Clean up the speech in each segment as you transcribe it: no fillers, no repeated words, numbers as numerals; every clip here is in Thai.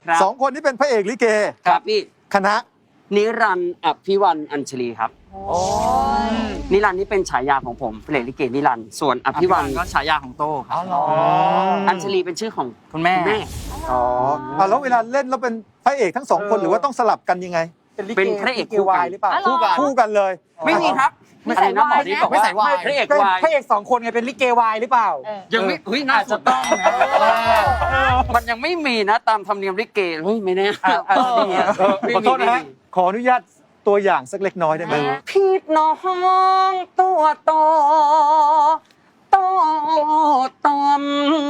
สองคนนี้เป็นพระเอกลิเกครับพี่คณะนิรันดร์อภิวันอัญชลีครับนิรันดร์นี่เป็นฉายาของผมเพลงลิเกนิรันดร์ส่วนอภิวันก็ฉายาของโต้ครับอัญชลีเป็นชื่อของคุณแม่อ๋อแล้วเวลาเล่นแล้วเป็นพระเอกทั้งสองคนหรือว่าต้องสลับกันยังไงเป็นพระเอกคู่กันหรือเปล่าคู่กันเลยไม่มีครับไม่ใส่น้ำหมอนี่บอกไม่ว่าใส่วายพระเอกก็วายพระเอกสองคนไงเป็นลิเกวายหรือเปล่ายังไม่เฮ้ยน่าจะต้องมันยังไม่มีนะตามธรรมเนียมลิเกเฮ้ยไม่แน่ขอโทษนะฮะขออนุญาตตัวอย่างสักเล็กน้อยได้ไหมพี่น้องตัวโตโตตอม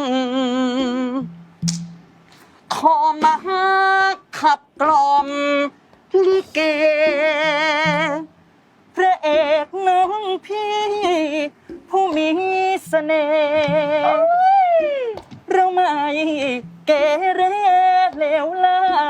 ขอมาขับกล่อมลิเกพระเอกน้องพี่ผู้มีเสน่ห์เราไม่เกเรเลวไหล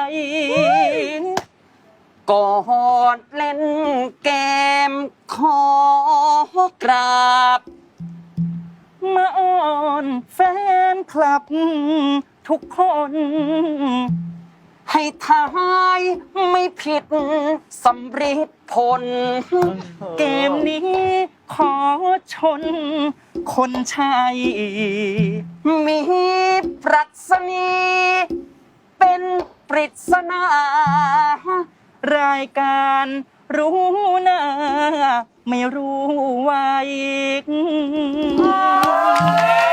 ก่อนเล่นเกมขอกราบมาอ้อนแฟนคลับทุกคนให้ทายไม่ผิดสำริดผลเกมนี้ขอชนคนชัยมีปรัชนีเป็นปริศนารายการรู้หน้าไม่รู้ไว้